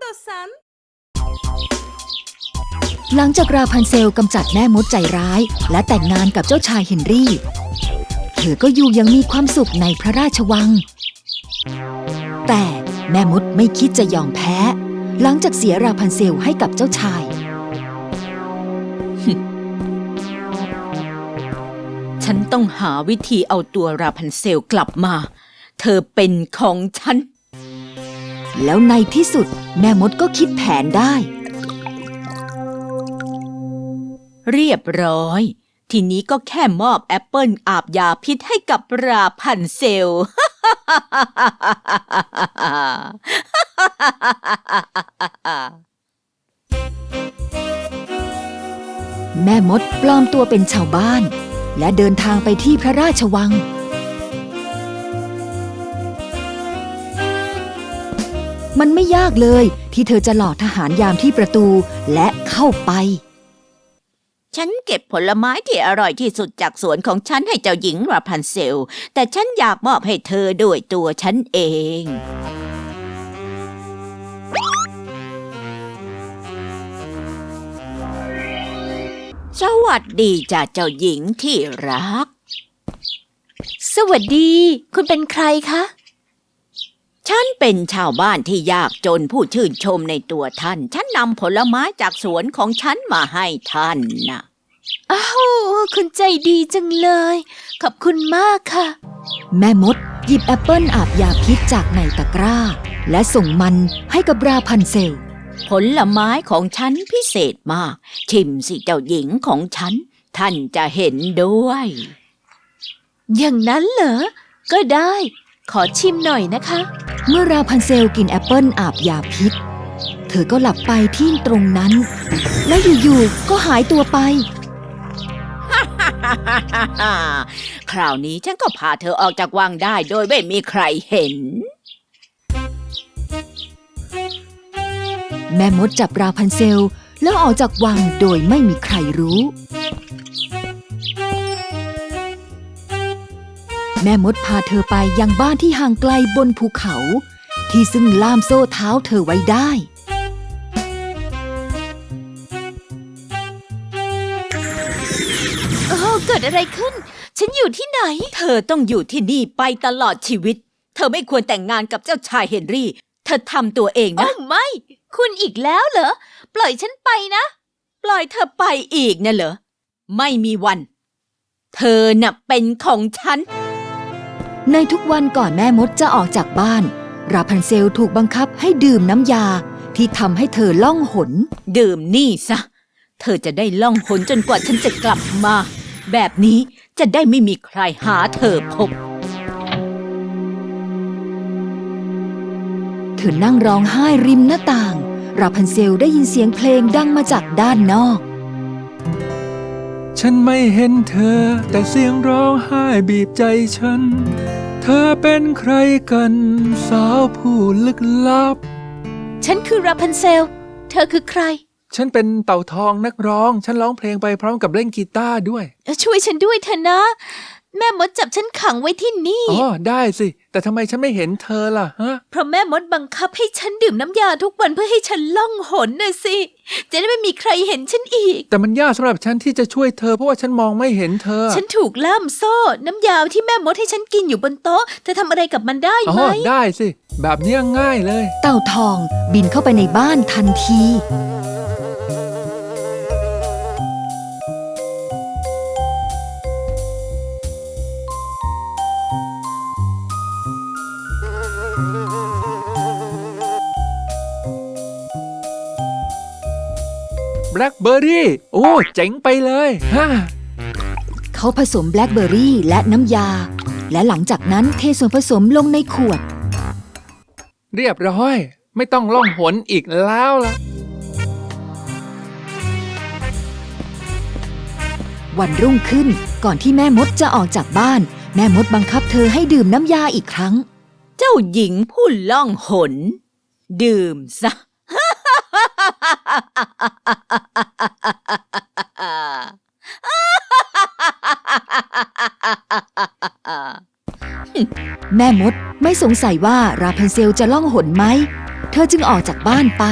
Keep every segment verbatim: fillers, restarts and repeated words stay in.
さんหลังจากราพันเซลกำจัดแม่มดใจร้ายและแต่งงานกับเจ้าชายเฮนรี่เธอก็อยู่ยังมีความสุขในพระราชวังแต่แม่มดไม่คิดจะยอมแพ้หลังจากเสียราพันเซลให้กับเจ้าชายฉันต้องหาวิธีเอาตัวราพันเซลกลับมาเธอเป็นของฉันแล้วในที่สุดแม่มดก็คิดแผนได้เรียบร้อยทีนี้ก็แค่มอบแอปเปิลอาบยาพิษให้กับราพันเซลแม่มดปลอมตัวเป็นชาวบ้านและเดินทางไปที่พระราชวังมันไม่ยากเลยที่เธอจะหลอกทหารยามที่ประตูและเข้าไปฉันเก็บผลไม้ที่อร่อยที่สุดจากสวนของฉันให้เจ้าหญิงราพันเซลแต่ฉันอยากมอบให้เธอด้วยตัวฉันเองสวัสดีจ้ะเจ้าหญิงที่รักสวัสดีคุณเป็นใครคะฉันเป็นชาวบ้านที่ยากจนผู้ชื่นชมในตัวท่านฉันนำผลไม้จากสวนของฉันมาให้ท่านนะอ้าวคุณใจดีจังเลยขอบคุณมากค่ะแม่มดหยิบแอปเปิลอาบยาพิษจากในตะกร้าและส่งมันให้กับราพันเซลผลไม้ของฉันพิเศษมากชิมสิเจ้าหญิงของฉันท่านจะเห็นด้วยอย่างนั้นเหรอก็ได้ขอชิมหน่อยนะคะเมื่อราพันเซลกินแอปเปิลอาบยาพิษเธอก็หลับไปที่ตรงนั้นและอยู่ๆก็หายตัวไปคราวนี้ฉันก็พาเธอออกจากวังได้โดยไม่มีใครเห็นแม่มดจับราพันเซลแล้วออกจากวังโดยไม่มีใครรู้แม่มดพาเธอไปยังบ้านที่ห่างไกลบนภูเขาที่ซึ่งล่ามโซ่เท้าเธอไว้ได้โอ้เกิดอะไรขึ้นฉันอยู่ที่ไหนเธอต้องอยู่ที่นี่ไปตลอดชีวิตเธอไม่ควรแต่งงานกับเจ้าชายเฮนรี่เธอทำตัวเองนะโอ้ไม่คุณอีกแล้วเหรอปล่อยฉันไปนะปล่อยเธอไปอีกนะเหรอไม่มีวันเธอน่ะเป็นของฉันในทุกวันก่อนแม่มดจะออกจากบ้านราพันเซลถูกบังคับให้ดื่มน้ำยาที่ทำให้เธอล่องหนดื่มนี่ซะเธอจะได้ล่องหนจนกว่าฉันจะกลับมาแบบนี้จะได้ไม่มีใครหาเธอพบเธอนั่งร้องไห้ริมหน้าต่างราพันเซลได้ยินเสียงเพลงดังมาจากด้านนอกฉันไม่เห็นเธอแต่เสียงร้องไห้บีบใจฉันเธอเป็นใครกันสาวผู้ลึกลับฉันคือราพันเซลเธอคือใครฉันเป็นเต่าทองนักร้องฉันร้องเพลงไปพร้อมกับเล่นกีตาร์ด้วยช่วยฉันด้วยเถอะนะแม่มดจับฉันขังไว้ที่นี่อ๋อได้สิแต่ทำไมฉันไม่เห็นเธอล่ะฮะเพราะแม่มดบังคับให้ฉันดื่มน้ำยาทุกวันเพื่อให้ฉันล่องหนน่ะสิจะได้ไม่มีใครเห็นฉันอีกแต่มันยากสำหรับฉันที่จะช่วยเธอเพราะว่าฉันมองไม่เห็นเธอฉันถูกล่ามโซ่น้ำยาที่แม่มดให้ฉันกินอยู่บนโต๊ะเธอทำอะไรกับมันได้ไหมอ๋อได้สิแบบนี้ง่ายเลยเต่าทองบินเข้าไปในบ้านทันทีแบล็คเบอร์รี่โอ้เจ๋งไปเลยฮะเขาผสมแบล็คเบอร์รี่และน้ำยาและหลังจากนั้นเทส่วนผสมลงในขวดเรียบร้อยไม่ต้องล่องหนอีกแล้วล่ะวันรุ่งขึ้นก่อนที่แม่มดจะออกจากบ้านแม่มดบังคับเธอให้ดื่มน้ำยาอีกครั้งเจ้าหญิงผู้ล่องหนดื่มซะแม่มดไม่สงสัยว่าราพันเซลจะล่องหนไหมเธอจึงออกจากบ้านไป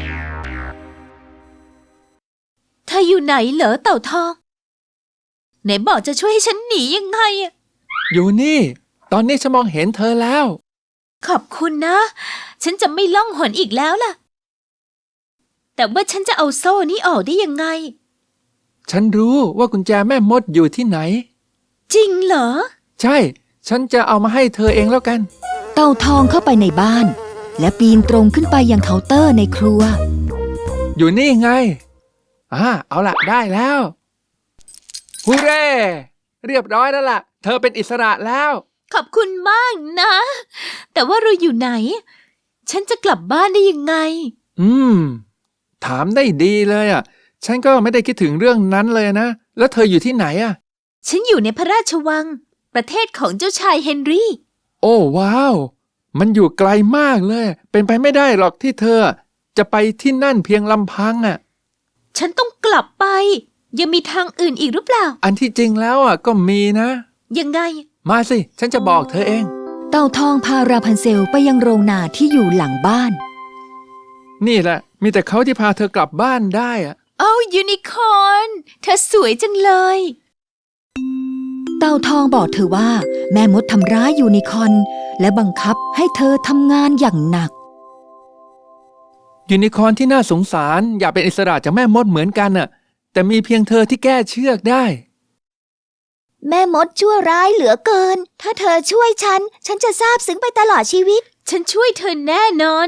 เธออยู่ไหนเหรอเต่าทองไหนบอกจะช่วยให้ฉันหนียังไงอะอยู่นี่ ตอนนี้ฉันมองเห็นเธอแล้วขอบคุณนะ ฉันจะไม่ล่องหนอีกแล้วล่ะ แต่ว่าฉันจะเอาโซ่นี้ออกได้ยังไงฉันรู้ว่ากุญแจแม่มดอยู่ที่ไหนจริงเหรอใช่ ฉันจะเอามาให้เธอเองแล้วกันเต่าทองเข้าไปในบ้าน และปีนตรงขึ้นไปยังเคาน์เตอร์ในครัวอยู่นี่ไงอ่าเอาละได้แล้วฮูเร่เรียบร้อยแล้วล่ะ เธอเป็นอิสระแล้วขอบคุณมากนะ แต่ว่าเราอยู่ไหน ฉันจะกลับบ้านได้ยังไงอืม ถามได้ดีเลยอ่ะ ฉันก็ไม่ได้คิดถึงเรื่องนั้นเลยนะ แล้วเธออยู่ที่ไหนอ่ะฉันอยู่ในพระราชวัง ประเทศของเจ้าชายเฮนรี่โอ้ว้าว มันอยู่ไกลมากเลย เป็นไปไม่ได้หรอกที่เธอ จะไปที่นั่นเพียงลำพังอ่ะฉันต้องกลับไป ยังมีทางอื่นอีกหรือเปล่าอันที่จริงแล้วอ่ะก็มีนะยังไงมาสิ ฉันจะบอกเธอเองเต่าทองพาราพันเซลไปยังโรงนาที่อยู่หลังบ้านนี่แหละ มีแต่เขาที่พาเธอกลับบ้านได้อ่ะเอ้ายูนิคอร์นเธอสวยจังเลยเต่าทองบอกเธอว่า แม่มดทำร้ายยูนิคอร์นและบังคับให้เธอทำงานอย่างหนักยูนิคอร์นที่น่าสงสารอยากเป็นอิสระจากแม่มดเหมือนกันน่ะ แต่มีเพียงเธอที่แก้เชือกได้แม่มดชั่วร้ายเหลือเกิน ถ้าเธอช่วยฉัน ฉันจะซาบซึ้งไปตลอดชีวิตฉันช่วยเธอแน่นอน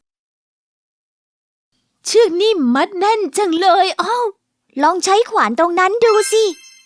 เชือกนี่มัดแน่นจังเลยอ้าวลองใช้ขวานตรงนั้นดูสิ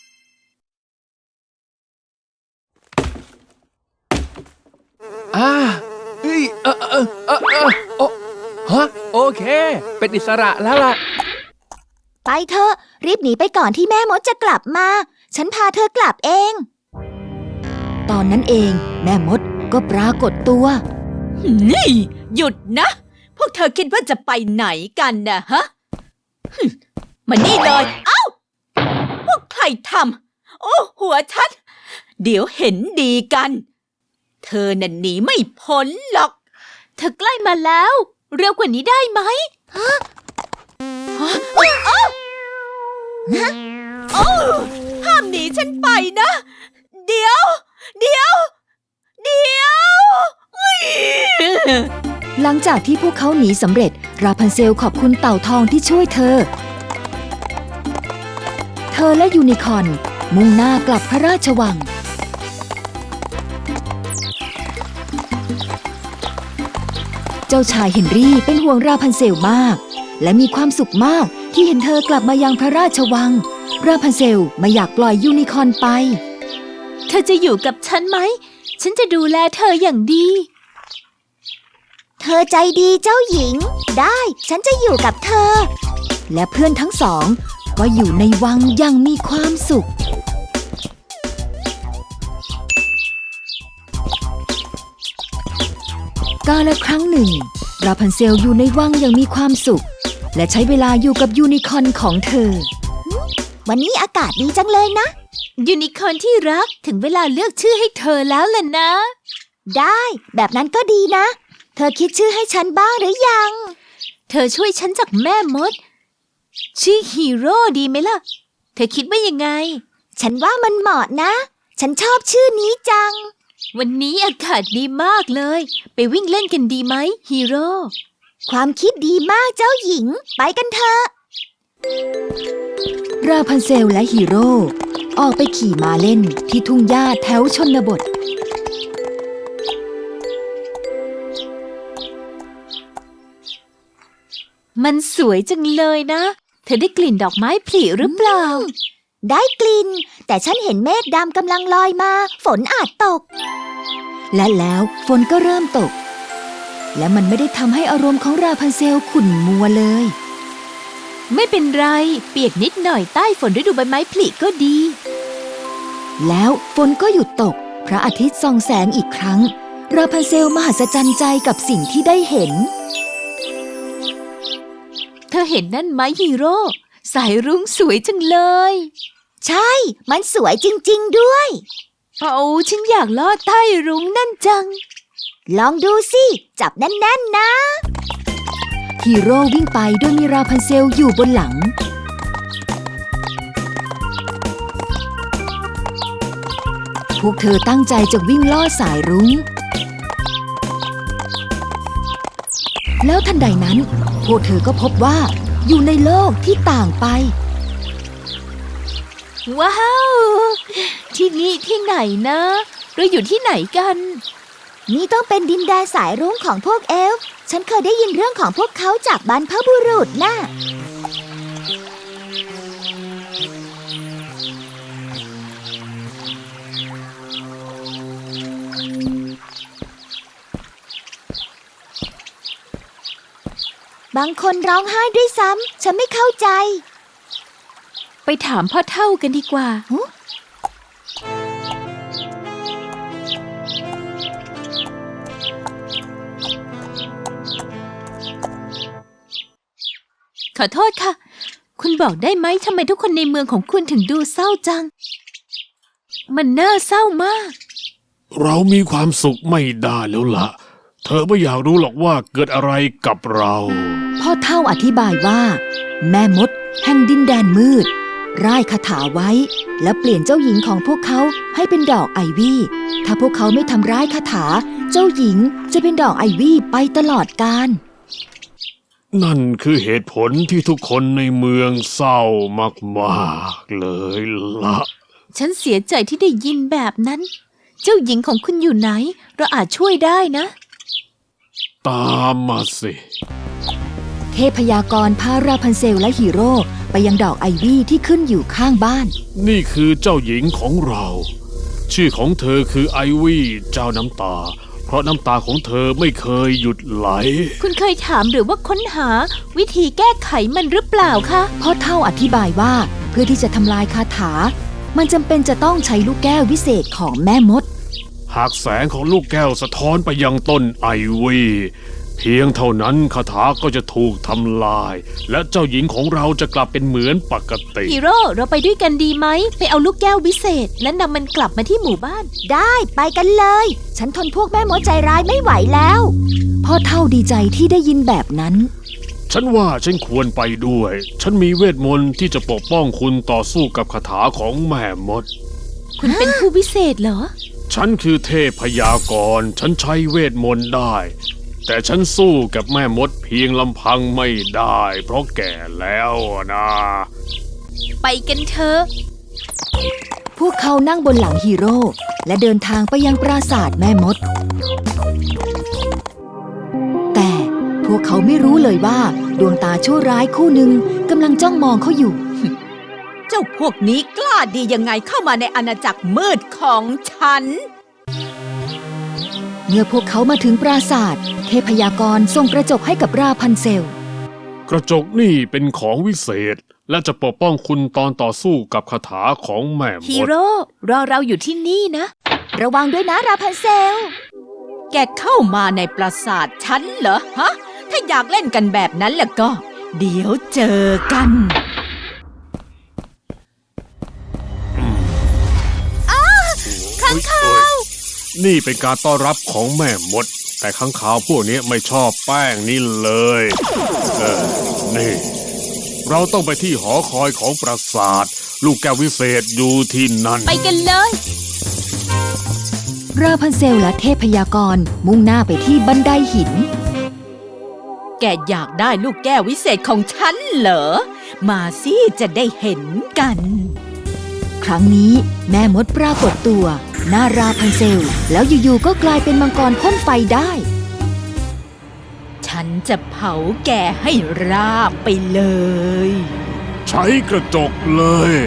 อ่าเอ้ยเออเออเออเออโอฮะโอเค เป็นอิสระแล้วล่ะไปเถอะ รีบหนีไปก่อนที่แม่มดจะกลับมา ฉันพาเธอกลับเองตอนนั้นเองแม่มดก็ปรากฏตัวนี่ หยุดนะ พวกเธอคิดว่าจะไปไหนกันนะฮะฮึ่มมานี่เลย เอ้า พวกใครทำ โอ้ หัวฉัน เดี๋ยวเห็นดีกัน เธอน่ะหนีไม่พ้นหรอกเธอใกล้มาแล้ว เร็วกว่านี้ได้ไหมโอ้ห้ามหนีฉันไปนะ เดี๋ยว เดี๋ยว เดี๋ยวอุ๊ยหลังจากที่พวกเขาหนีสำเร็จ ราพันเซลขอบคุณเต่าทองที่ช่วยเธอ เธอและยูนิคอร์นมุ่งหน้ากลับพระราชวัง เจ้าชายเฮนรี่เป็นห่วงราพันเซลมาก และมีความสุขมากที่เห็นเธอกลับมายังพระราชวัง ราพันเซลไม่อยากปล่อยยูนิคอร์นไปเธอจะอยู่กับฉันไหม ฉันจะดูแลเธออย่างดีเธอใจดีเจ้าหญิง ได้ ฉันจะอยู่กับเธอและเพื่อนทั้งสองก็อยู่ในวังอย่างมีความสุข กาลครั้งหนึ่ง ราพันเซลอยู่ในวังอย่างมีความสุข และใช้เวลาอยู่กับยูนิคอร์นของเธอวันนี้อากาศดีจังเลยนะยูนิคอร์นที่รักถึงเวลาเลือกชื่อให้เธอแล้วล่ะนะได้ แบบนั้นก็ดีนะ เธอคิดชื่อให้ฉันบ้างหรือยังเธอช่วยฉันจากแม่มด ชื่อฮีโร่ดีไหมล่ะ เธอคิดว่ายังไงฉันว่ามันเหมาะนะ ฉันชอบชื่อนี้จังวันนี้อากาศดีมากเลย ไปวิ่งเล่นกันดีไหมฮีโร่ความคิดดีมากเจ้าหญิง ไปกันเถอะราพันเซลและฮีโร่ออกไปขี่ม้าเล่นที่ทุ่งหญ้าแถวชนบทมันสวยจังเลยนะ เธอได้กลิ่นดอกไม้ผลิหรือเปล่าได้กลิ่น แต่ฉันเห็นเมฆดำกำลังลอยมา ฝนอาจตกและแล้วฝนก็เริ่มตก และมันไม่ได้ทำให้อารมณ์ของราพันเซลขุ่นมัวเลยไม่เป็นไร เปียกนิดหน่อยใต้ฝนฤดูใบไม้ผลิก็ดีแล้วฝนก็หยุดตก พระอาทิตย์ส่องแสงอีกครั้ง ราพันเซลมหัศจรรย์ใจกับสิ่งที่ได้เห็นเธอเห็นนั่นไหมฮีโร่ สายรุ้งสวยจังเลยใช่ มันสวยจริงๆด้วยเอาฉันอยากลอดใต้รุ้งนั่นจังลองดูสิ จับแน่นๆนะฮีโร่วิ่งไปโดยมีราพันเซลอยู่บนหลัง พวกเธอตั้งใจจะวิ่งล่อสายรุ้ง แล้วทันใดนั้น พวกเธอก็พบว่าอยู่ในโลกที่ต่างไปว้าว ที่นี่ที่ไหนนะ เราอยู่ที่ไหนกันนี่ต้องเป็นดินแดนสายรุ้งของพวกเอลฟ์ฉันเคยได้ยินเรื่องของพวกเขาจากบรรพบุรุษน่ะ บางคนร้องไห้ด้วยซ้ำ ฉันไม่เข้าใจไปถามพ่อเฒ่ากันดีกว่า ขอโทษค่ะ คุณบอกได้ไหมทำไมทุกคนในเมืองของคุณถึงดูเศร้าจัง มันน่าเศร้ามากเรามีความสุขไม่ได้แล้วล่ะ เธอไม่อยากรู้หรอกว่าเกิดอะไรกับเราพ่อเฒ่าอธิบายว่า แม่มดแห่งดินแดนมืด ร่ายคาถาไว้ และเปลี่ยนเจ้าหญิงของพวกเขาให้เป็นดอกไอวี่ ถ้าพวกเขาไม่ทำร้ายคาถา เจ้าหญิงจะเป็นดอกไอวี่ไปตลอดกาลนั่นคือเหตุผลที่ทุกคนในเมืองเศร้ามากๆเลยล่ะฉันเสียใจที่ได้ยินแบบนั้น เจ้าหญิงของคุณอยู่ไหน เราอาจช่วยได้นะตามมาสิเทพยากรพาราพันเซลและฮีโร่ไปยังดอกไอวี่ที่ขึ้นอยู่ข้างบ้านนี่คือเจ้าหญิงของเรา ชื่อของเธอคือไอวี่เจ้าน้ำตา เพราะน้ำตาของเธอไม่เคยหยุดไหลคุณเคยถามหรือว่าค้นหาวิธีแก้ไขมันหรือเปล่าคะพ่อเฒ่าอธิบายว่าเพื่อที่จะทำลายคาถา มันจำเป็นจะต้องใช้ลูกแก้ววิเศษของแม่มดหากแสงของลูกแก้วสะท้อนไปยังต้นไอวี่เพียงเท่านั้นคาถาก็จะถูกทำลาย และเจ้าหญิงของเราจะกลับเป็นเหมือนปกติฮีโร่เราไปด้วยกันดีไหม ไปเอาลูกแก้ววิเศษ และนำมันกลับมาที่หมู่บ้านได้ไปกันเลย ฉันทนพวกแม่มดใจร้ายไม่ไหวแล้วพ่อเฒ่าดีใจที่ได้ยินแบบนั้นฉันว่าฉันควรไปด้วย ฉันมีเวทมนต์ที่จะปกป้องคุณต่อสู้กับคาถาของแม่มดคุณเป็นผู้วิเศษเหรอฉันคือเทพพยากรณ์ฉันใช้เวทมนต์ได้ แต่ฉันสู้กับแม่มดเพียงลำพังไม่ได้ เพราะแก่แล้วนะไปกันเถอะพวกเขานั่งบนหลังฮีโร่และเดินทางไปยังปราสาทแม่มด แต่พวกเขาไม่รู้เลยว่าดวงตาชั่วร้ายคู่หนึ่งกำลังจ้องมองเขาอยู่เจ้าพวกนี้กล้าดียังไงเข้ามาในอาณาจักรมืดของฉันเมื่อพวกเขามาถึงปราสาทเทพยากรส่งกระจกให้กับราพันเซลกระจกนี่เป็นของวิเศษ และจะปกป้องคุณตอนต่อสู้กับคาถาของแม่มฮีดโร่รอเราอยู่ที่นี่นะระวังด้วยนะราพันเซลแกเข้ามาในปราสาทฉันเหรอฮะ ถ้าอยากเล่นกันแบบนั้นแล้วก็ เดี๋ยวเจอกันข้างคาวนี่เป็นการต้อนรับของแม่มด แต่ข้างคาวพวกนี้ไม่ชอบแป้งนี่เลยเออนี่ เราต้องไปที่หอคอยของปราสาท ลูกแก้ววิเศษอยู่ที่นั่นไปกันเลยราพันเซลและเทพยากรมุ่งหน้าไปที่บันไดหินแกอยากได้ลูกแก้ววิเศษของฉันเหรอ มาสิจะได้เห็นกันครั้งนี้แม่มดปรากฏตัวหน้าราพันเซลแล้วอยู่ๆก็กลายเป็นมังกรพ่นไฟได้ฉันจะเผาแกให้ราบไปเลยใช้กระจกเลย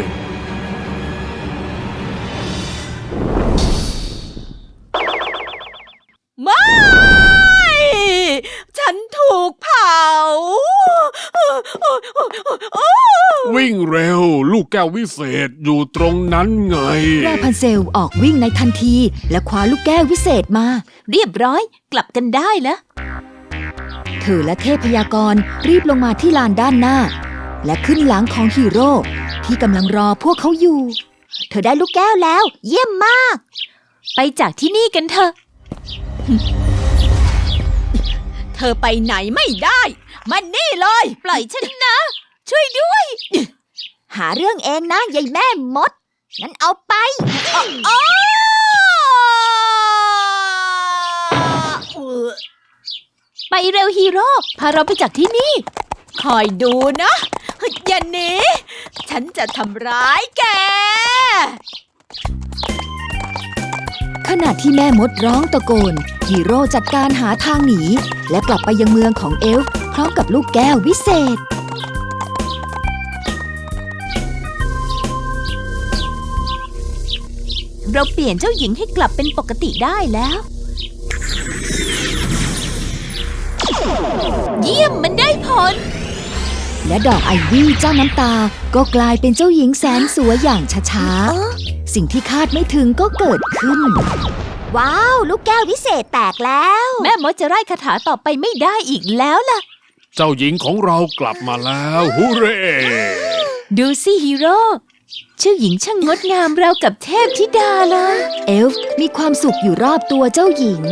ไม่ ฉันถูกเผาวิ่งเร็ว ลูกแก้ววิเศษอยู่ตรงนั้นไงราพันเซลออกวิ่งในทันทีและคว้าลูกแก้ววิเศษมาเรียบร้อย กลับกันได้แล้วเธอและเทพยากรรีบลงมาที่ลานด้านหน้า และขึ้นหลังของฮีโร่ที่กำลังรอพวกเขาอยู่เธอได้ลูกแก้วแล้ว เยี่ยมมากไปจากที่นี่กันเถอะเธอไปไหนไม่ได้มันนี่เลยปล่อยฉันนะ ช่วยด้วยหาเรื่องเองนะยายแม่มด งั้นเอาไปโอ้ไปเร็วฮีโร่พาเราไปจากที่นี่คอยดูนะ อย่าหนีฉันจะทำร้ายแกขณะที่แม่มดร้องตะโกนฮีโร่จัดการหาทางหนีและกลับไปยังเมืองของเอลฟ์พร้อมกับลูกแก้ววิเศษเราเปลี่ยนเจ้าหญิงให้กลับเป็นปกติได้แล้ว เยี่ยมมันได้ผลและดอกไอวี่เจ้าน้ำตาก็กลายเป็นเจ้าหญิงแสนสวยอย่างช้าๆ สิ่งที่คาดไม่ถึงก็เกิดขึ้นว้าว ลูกแก้ววิเศษแตกแล้วแม่มดจะไล่คาถาต่อไปไม่ได้อีกแล้วล่ะเจ้าหญิงของเรากลับมาแล้วฮูเร่ดูสิฮีโร่เจ้าหญิงช่างงดงามราวกับเทพธิดาเลยเอลฟ์มีความสุขอยู่รอบตัวเจ้าหญิง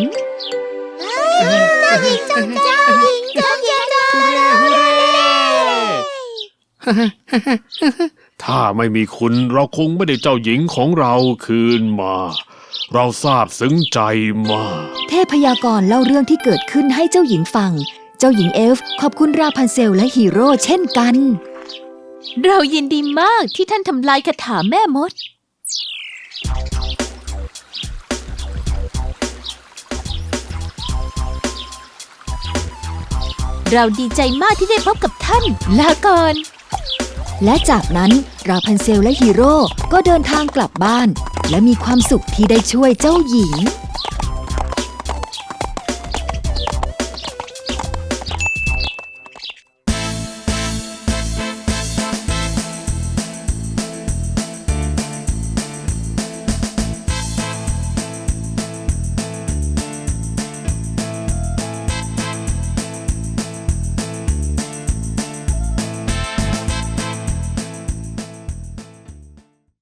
ถ้าไม่มีคุณเราคงไม่ได้เจ้าหญิงของเราคืนมา เราซาบซึ้งใจมากเทพยากรเล่าเรื่องที่เกิดขึ้นให้เจ้าหญิงฟัง เจ้าหญิงเอลฟ์ขอบคุณราพันเซลและฮีโร่เช่นกันเรายินดีมากที่ท่านทำลายคาถาแม่มด เราดีใจมากที่ได้พบกับท่าน ลาก่อนและจากนั้นราพันเซลและฮีโร่ก็เดินทางกลับบ้าน และมีความสุขที่ได้ช่วยเจ้าหญิง